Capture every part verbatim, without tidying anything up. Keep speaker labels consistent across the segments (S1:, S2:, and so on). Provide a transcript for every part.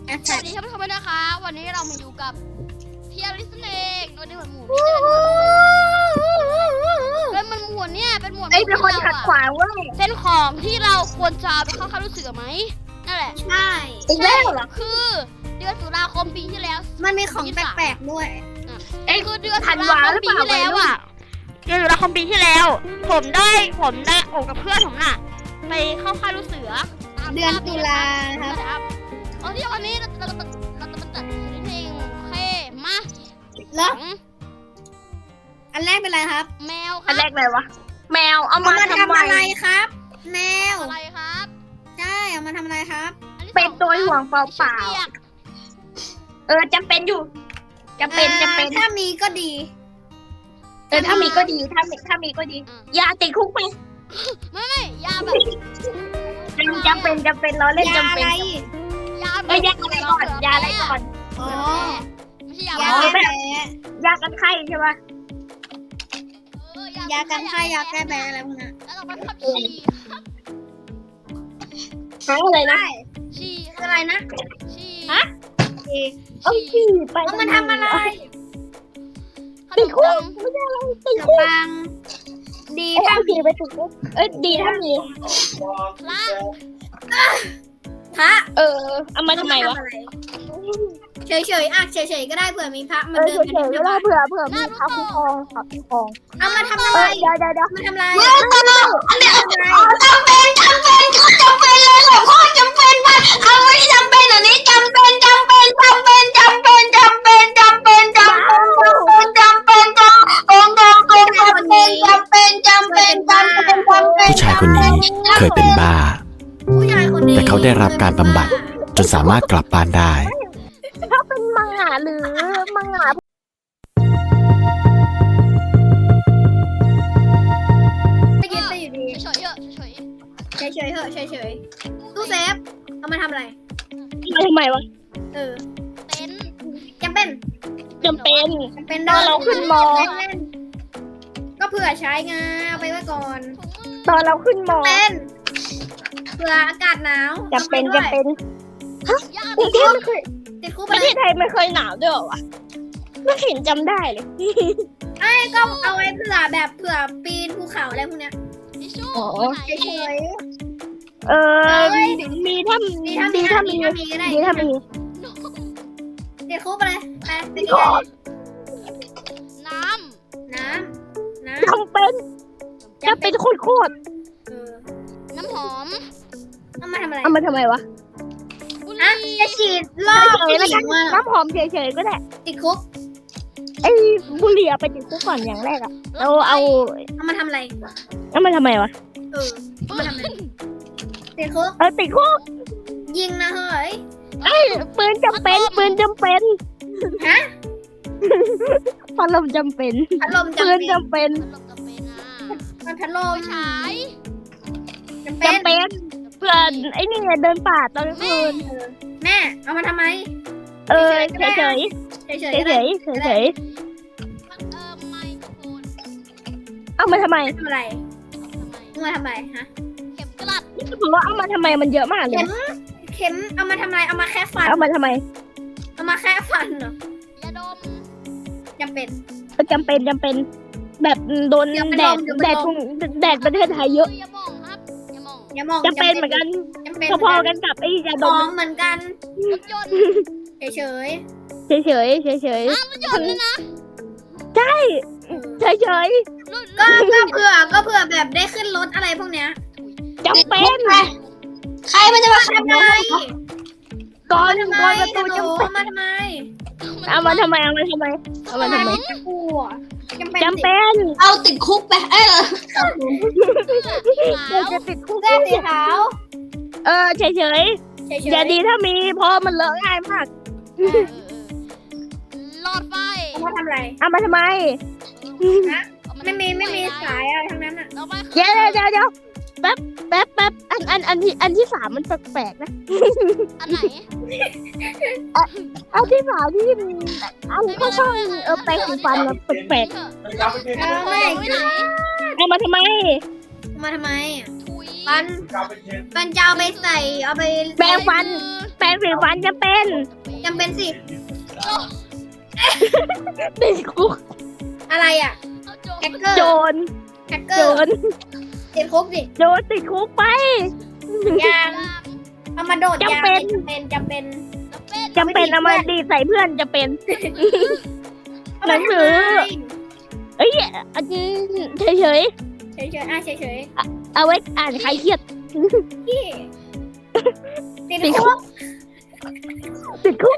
S1: สวัสดีท่านผู้ชมด้วยนะคะวันนี้เรามาอยู่กับเทียริสเองวันนี้หมวดหมู่เป็นมันหมวดเนี่ยเป็นหมวดไอ้เป็นคนขัดขวางเว้ยเป็นของที่เราควรจะไปเข้าค่ายรู้สึกไหมนั่นแหละ
S2: ใช่
S1: อีกแล้วเหรอคือเดือนตุลาคมปีที่แล้ว
S2: มันมีของแปลกๆด้วย
S1: ไอ้คือเดือนตุลาคมปีที่แล้วอ่ะเดือนตุลาคมปีที่แล้วผมได้ผมได้โอบกับเพื่อนผมน่ะไปเข้าค่ายรู้เสือ
S2: เดือนตุลา
S1: ครับโอ้ที่วันนี้เราเราเราเราจะมาตัดเพลงโอเคมา
S2: แล้วอันแรกเป็นอะไรครับ
S1: แมวครับ
S3: อันแรกเลยวะแมวเอามาทำ
S2: อะไรครับแมว
S1: อะไรครับ
S2: ใช่เอามาทำอะไรครับ
S3: เป็นตัวห่วงเปล่าๆเออจำเป็นอยู่จำเป็นจำเป็น
S2: ถ้ามีก็ดี
S3: เออถ้ามีก็ดีถ้ามีถ้ามีก็ดีอย่าติดคุกไป
S1: ไม่ไม่ยาแบบ
S3: จำเป็นจำเป็นเราเล่นจำเป็น
S1: ยา
S3: เออยาอะไรก่อนยาอะไรก่อน
S2: อ๋อ
S1: ไม่ใช่ยาย
S2: าแก้แพ้
S3: ยากันไข้ใช่ปะ
S2: ยากันไข้ยาแก้แพ้อะไรพวกนั้น
S1: แล้วเราไปขับฉี่
S3: หาอะไรนะ
S1: ฉี่
S2: อะไรนะ
S1: ฉี่
S3: ฮะเอาฉี่ไป
S2: เอามาทำอะไร
S3: ติดคุกไม่ใช่อะไรติดคุก
S2: ดี
S3: ถ้ามีไปติดคุกเอ้ยดีถ้ามี
S2: พระ
S3: เออเอามาทำไมวะ
S2: เฉยๆอ่ะเฉยๆก็ได้เผื่อมีพระมาเดิน
S3: เฉยๆก็ได้เผื่อเผื่อมีพระคุ้มครองพระคุ้มครอง
S2: เอามาทำอะไร
S3: เดี๋ยวเดี๋ยวเดี๋ยว
S2: มาทำอะไร
S3: ไม่ต้องอันเนี้ยจำเป็นจำเป็นก็จำเป็นเลยหลวงพ่อจำเป็นมาเอาไม่จำเป็นอันนี้จำเป็นจำเป็นจำเป็นจำเป็นจำเป็นจำเป็นจำเป็นจำเป็นจำเป็นจำเป็นจำเป็นจำเป็นจำเป็นจำเป็นจำเป็น
S4: ผู้ชายคนนี้เคยเป็นบ้าแต่เขาได้รับการบำบัดจนสามารถกลับบ้านได้
S3: ถ้าเป็นมังงะหรือมังงะ
S2: ไม่ยินไปอยู่ดี
S1: เฉยๆเฉย
S2: ๆเฉยๆเหอะเฉยๆตู้เซฟเอามาทำอะไร
S3: มาทำไมวะ
S2: เออ
S1: เป็น
S2: จำเป็น
S3: จำเป็น
S2: จำเป็น
S3: ตอนเราขึ้นมอ
S2: ก็เผื่อใช้ไงเอาไปไว้ก่อน
S3: ตอนเราขึ้นมอ
S2: เป็นเผื่ออากาศหนาว
S3: จำเป็นจำเป็นฮะประเทศไม่เคย
S2: ติดคุก
S3: ประเทศไทยไม่เคยหนาวด้วยวะไม่เห็นจำได้เลย
S2: ไอ้ก็เอาไว้เผื่อแบบเผื่อปีนภูเขาอะไรพวกเนี้ย
S3: อ๋อ
S2: เฉย
S3: ๆเออมีถ้ามีถ้ามีถ้ามีดีถ้ามี
S2: ติดคุกไปเลยไปเป็นยังไง
S1: น้
S2: ำน้ำน้ำ
S3: จำเป็นจะเป็นโคตร
S1: น้ำหอม
S2: เอามาทำอะไร
S3: เอามาทำไมวะ
S2: อ่ะจะฉีดรอบ
S3: น้ำหอมเฉยๆก็ได้
S2: ติดคุก
S3: ไอ้บุหรี่ไปติดคุกก่อนอย่างแรกอะเราเอา
S2: เอามาทำอะไร
S3: เอามาทำไมวะ
S2: เออเอามาทำอะไรติดคุก
S3: เออติดคุก
S2: ยิงนะเฮ้ย
S3: ไอ้ปืนจำเป็นปืนจำเป็น
S2: ฮะ
S3: พัดลมจำเป็น
S2: พัดลมจำเป็น
S3: ปืนจำเป็น
S2: มันพัดลม
S1: ฉาย
S2: จำเป็น
S3: เพื่อนไอ้นี่เดินป่าตอนกลางคืน
S2: แม่เอามาทำไม
S3: เออเฉยเฉย
S2: เฉย
S3: เฉยเฉยเฉยเฉยเอามาทำไม
S2: ทำอะไรเอามาทำไมฮะ
S1: เข็มกลัด
S3: นี่บอกว่าเอามาทำไมมันเยอะมากเลย
S2: เข็มเข็มเอามาทำไมเอามาแค่ฟัน
S3: เอามาทำไม
S2: เอามาแค่ฟันเหร
S1: อยาดม
S2: จำเป็น
S3: จำเป็นจำเป็นแบบโดนแดดแดดแดดประเทศไทยเยอะ
S1: อย่ามองครับอย่ามอง
S2: อย่ามอง
S3: จำเป็นเหมือนกันพอๆกันกับไอ้ยาดม
S2: เหมือนกัน
S1: รถยนต์
S2: เฉยเฉย
S3: เฉยเฉยเฉยเฉย
S1: รถยนต์นะ
S3: ใช่เฉยเฉย
S2: ก็ก็เผื่อก็เผื่อแบบได้ขึ้นรถอะไรพวกเนี้ย
S3: จำเป็น
S2: ใครมันจะมาทำไม
S3: ก่อนก่อนประตูจำเป็น
S2: มาทำไม
S3: เอามาทำไมเอามาทำไมเอามาทำไมจำเป็น
S2: เอาติดคุกไปเออ
S3: เดี๋ยวจะติดคุก
S2: เสื้อสีขาว
S3: เออเฉยเฉยอย่าดีถ้ามีเพราะมันเลอะง่ายมาก
S1: หลอดไฟ
S2: เอามาทำอะไร
S3: เอามาทำไม
S2: ไม่มีไม่มีสายอะไรทั้งนั้นอ่ะ
S3: เดี๋ยวเดี๋ยวเดี๋ยวแป๊บแป๊บแป๊บอันอันอันที่อันที่สามมันแปลกๆนะ
S1: อันไหน
S3: อันที่สามที่อันเขาช่องเออแปลงสีฟันแล้วแปลก
S2: ๆเอาไม่
S3: เอามาทำไม
S2: มาทำไม
S1: ถุย
S2: ไปฟันฟันจะเอาไปใส่เอาไป
S5: แปรงฟัน แปรงสีฟันจะเป็น
S2: จำเป็นสิ
S5: ติดคุก
S2: อะไรอ่ะ
S1: เอาโจ
S2: แฮกเกอร์
S5: โจร
S2: แฮกเก
S5: โจ
S2: อร์
S5: ร
S2: ติดคุกสิ
S5: โจรติดคุกไป
S2: ยางเอามาโดดยาง
S5: จำเป็น
S2: จำเป็นจำเป็น
S5: จำเป็นเอามาดีดใส่เพื่อนจะเป็น หนังสือ เอ้ยอันนี้เฉย
S2: เฉยเฉยๆอ่ะเฉยเฉย
S5: ๆเอาไว้อ่านใครเครียด
S2: ๆพี่ติดคุก
S5: ติดคุก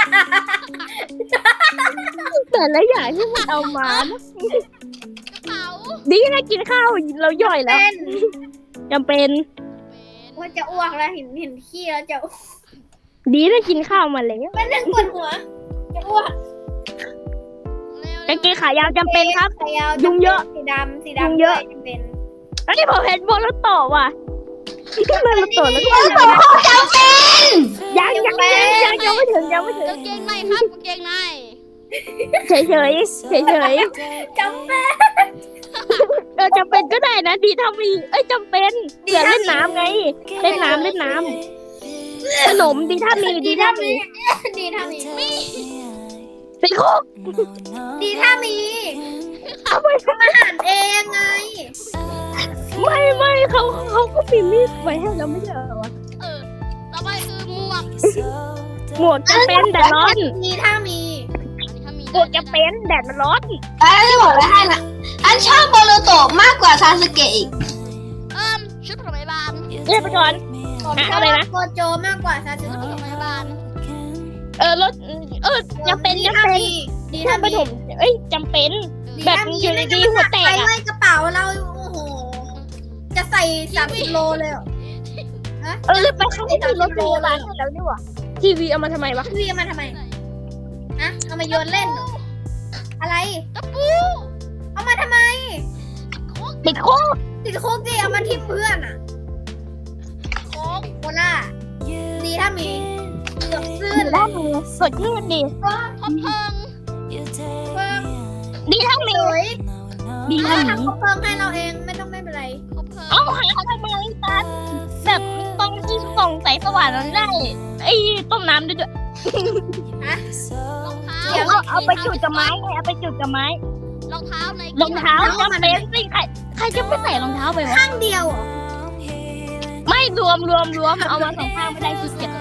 S5: แต่ละอย่างที่มันเอามานะ
S1: กระเป๋า
S5: ดีนะกินข้าวเราย่อยแล้ว
S2: เป็น
S5: จำเป็น
S2: ว่าจะอ้วกแล้วเห็นเห็นขี้แล้วจะ
S5: ดีนะกินข้าวมาแล้ว
S2: เป็นเรื่องปวดหัวจะอ้วก
S5: กางเกงขายาวจำเป็นครับ
S2: ขายาว
S5: ยุงเยอะ
S2: สีดำสี
S5: ยุ
S2: ดำ
S5: งเยอะ
S2: ด้วยจำเป็น
S5: อันนี้ผมเห็นโบนแล้วต่อว่ะโบนแล้วต่อแล้วก็
S3: โอ้โหจำเป็น
S5: ยังยังยังยังยังไม่ถึงยังไม่ถึง
S1: กางเกงในครับกางเกงใน
S5: เฉยเฉยเฉยเฉย
S2: จำเป็น
S5: ๆเออจำเป็นก็ได้นะ ดีถ้ามีเอ้ยจำเป็นเผื่อเล่นน้ำไง เล่นน้ำเล่นน้ำขนมดีถ้ามีดีถ้ามี
S2: ดีถ้ามี
S5: ติดคุก
S2: ดีถ้ามี
S5: เอาไป
S2: ทำอาหารเองไง
S5: ไม่ไม่เขาเขาก็มีมีดไว้ให้เราไม่ใช่เหรอวะ
S1: เออต่อไปคือหมวก
S5: หมวกจะเป็นแดดร้อน
S2: ดีถ้ามี
S1: อันนี้ถ้ามี
S5: หมวกจะเป็นแดดมันร้อน
S3: อันนี้บอกไว้ให้นะอันชอบโบโลโตะมากกว่าซาสึเกะอีก
S1: เอิ่มชุดปฐมพยาบาล
S5: เรียกไปก่อน
S2: ผม
S5: ฮะ
S2: ชอ
S5: อะไร
S2: บ
S5: นะ
S2: โกโจมากกว่าซาสึ
S1: ชุดป
S2: เกะ
S1: ฐมพยาบาล
S5: เออรถเออจำเป็น
S2: ดี
S5: จำ
S2: ถ้า
S5: เป็น
S2: มีดี
S5: ถ้า
S2: ถ้า
S5: ป
S2: มี
S5: ฐมเอ้ยจำเป็น แบบอยู่ดีๆหัวแตก
S2: ไป
S5: อะ
S2: ไว้กระเป๋าเราโอ้โหจะใส่สามสิบโลเลยเหรอ
S5: เออไปเขาไม่มีรถพยาบาลให้แล้วนี่หว่าทีวีเอามาทำไมวะ
S2: พี่เอามาทำไมฮะเอามาโยนเล่นเหรออะไร
S1: ตะปู
S2: เอามาทำไม
S5: ติดคุก
S2: ติดคุกดิเอามาทิมเพื่อนอ่ะ
S1: โค้ง
S2: โคล่าดีถ้ามีเกือบซื่
S5: ดี
S2: น
S5: ถ้ามีสดชื่นดี
S2: ก็
S1: คบเพลิง
S2: เพิ่ม
S5: ดีถ้ามี
S2: สวย
S5: ดี
S2: ถ้า
S5: ถ้ามี
S2: ทำเพิ่มให้เราเองไม่ต้องไม่เป็นไร
S1: คบเพลิง
S5: เอาหาทำไมตันแบบตรงที่ส่องแสงสว่างนั้นได้ไอ้ต้มน้ำด้วยด้วย
S1: รองเท้า
S5: เอาเอาเอาไปจุดกับไม้ไงเอาไปจุดกับไม้
S1: รองเท้าใน
S5: รองเท้าจำเป็นสิใครใครจะไม่ใส่รองเท้าไปวะ
S2: ข้างเดียวเหรอ
S5: ไม่รวมรวมรวมเอามาสองข้างไม่ได้ขี้เกียจ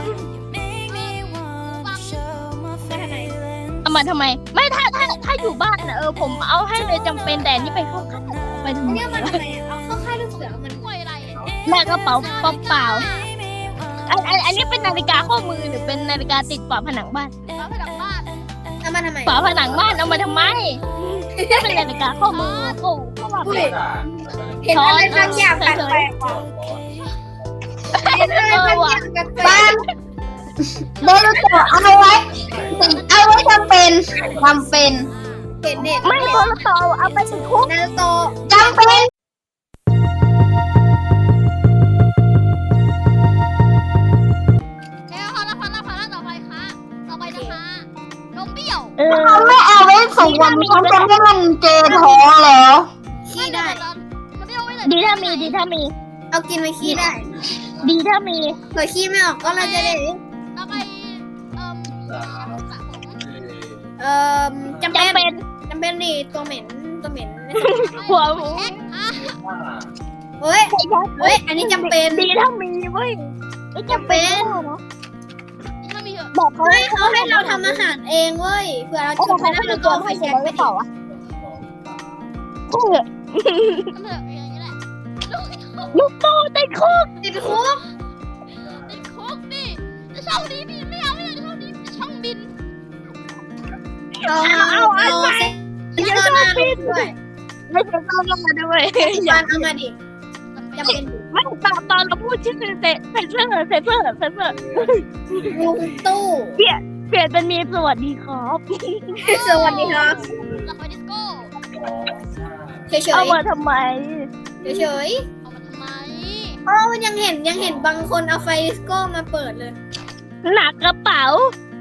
S2: ไปทางไหน
S5: เอามาทำไม ไม่ถ้าถ้าถ้าอยู่บ้านน่ะเออผมเอาให้เลยจำเป็นแต่อันนี่ไปเข้าข้างไปทำไม
S2: เนี่ยมันทำไมอะเอาเข้าค่ายลูกเสือมัน
S1: กล้วยอะไร
S5: แม่กระเป๋าเปล่าๆอันอันอันนี้เป็นนาฬิกาข้อมือหรือเป็นนาฬิกาติดฝาผนังบ้าน
S1: ฝาผนังบ้าน
S2: เอามาทำไม
S5: ฝาผนังบ้านเอามาทำไมก็เป็นนาฬิกาข้อมือโอ้ก็ว่า
S2: อุ้
S5: ไป
S2: ยเห็นอะไรบางอย่างแปลกๆว่ะเห็นอะไรบางอย่างแปล
S3: บ้าก นโบโลโตะเอาไว้ เอาไว้จำเป็นจำเป็น
S2: ๆเห็นเน็ต
S5: ไม่โทรศัพท์เอาไปติดคุก
S2: นารูโตะ
S3: จำเป็น
S1: เอ้ยพอละพอละพอละต่อไปค่ะต่อไปนะคะนมเบี้ยว
S5: เออ
S3: เขาไม่เอาไว้ส่งวันเขาจะให้มันเจอท้องเหรอ
S2: ขี้ได้
S1: นมเบี้ยวไว้เลย
S5: ดีถ้ามีดีถ้ามี
S2: เอากินไปขี้ได้
S5: ดีถ้ามี
S2: เผื่อขี้ไม่ออกก็เราจะได้
S1: ต่อไปเอ่อสระผม
S2: เอ่อจำ
S5: จำ
S2: เป็น
S5: เป็น
S2: จำเป็นดิตัวเหม็นตัวเหม็น
S5: หัวหมู
S1: เช็คอ่ะ
S2: เฮ้ยเฮ้ยอันนี้จำเป็น
S5: ดีถ้ามีเว้ยไม่จำเป็น
S1: นี่ถ้ามีเหอะ
S5: บอกเขา
S2: เฮ้ยเขาให้เราทำอาหารเองเว้ยเผื่อเรา
S5: โอ้
S2: จุด
S5: เขา
S2: ไม่ได้
S5: ไม่
S2: เรา
S5: ได้
S2: ก็
S5: ตัว
S2: เอาไฟ
S5: ให้เก็
S2: แช็
S5: บ
S2: ก
S5: ไว้
S2: ไป
S5: หรือเปล่าวะ
S1: ทำเถอะอย่างนี้แหละลูก
S5: ลูกโตติดคุก
S2: ติดคุก
S1: ติดคุกดิจะช่องนี้พี่ไม่เอาไม่เอาช่องนี้ช่องบิน
S2: เอา
S5: เอาเอา
S2: เอา
S5: เอา
S2: เซ็ต
S5: อย่า
S2: เซอ
S5: ช
S2: ร์
S5: อ
S2: มา
S5: บปิด
S2: ด้วย
S5: ไม่ใช่ต้องมาด้วย
S2: จานเอามาดิจำเป็น
S5: ไม่ตอนตอนเราพูดชื่อเซเซเซอร์เซเซอร์เซเซอร์
S2: ลุงตู้
S5: เปลี่ยนเป็นมีสวัสดีครับ
S2: สวัสดีครับ
S1: หลับไปดิสโก้
S2: เฉย
S5: เอามาทำไม
S2: ๆเฉย
S1: เอามาทำไม
S2: ๆเพราะมันยังเห็นยังเห็นบางคนเอาไฟดิสโก้มาเปิดเลย
S5: หนักกระเป๋า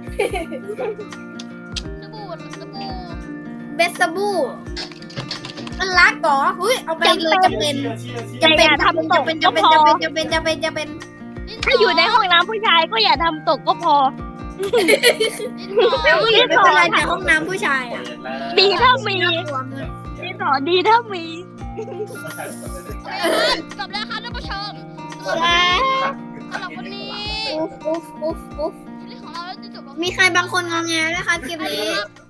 S1: สบู่สบู่
S2: เบสบูมันรักเหรอเฮ้ยเอาไปเลยจำเป็นจำเป็นจำเป็นจำเป็นจำเป็นจำเป็นจำเป็นจำเป็นจำเป็น
S5: ถ้าอยู่ในห้องน้ำผู้ชายก็อย่าทำตกก็พอ
S2: ผู้หญิงไม่เป็นไรแต่ห้องน้ำผู้ชายอ่ะ
S5: ดีถ้ามี
S2: น่ากลัวมาก
S5: ดีต่อดีถ้ามี
S1: จบแล้วครับท่านผู้ชมสำหรับสำหรับวันนี้
S2: อุ๊ฟอุ๊ฟอุ๊ฟอุ๊ฟ
S1: คลิปของเราจะจบลง
S2: มีใครบางคนงอแงไหมคะคลิปนี้
S1: ครับ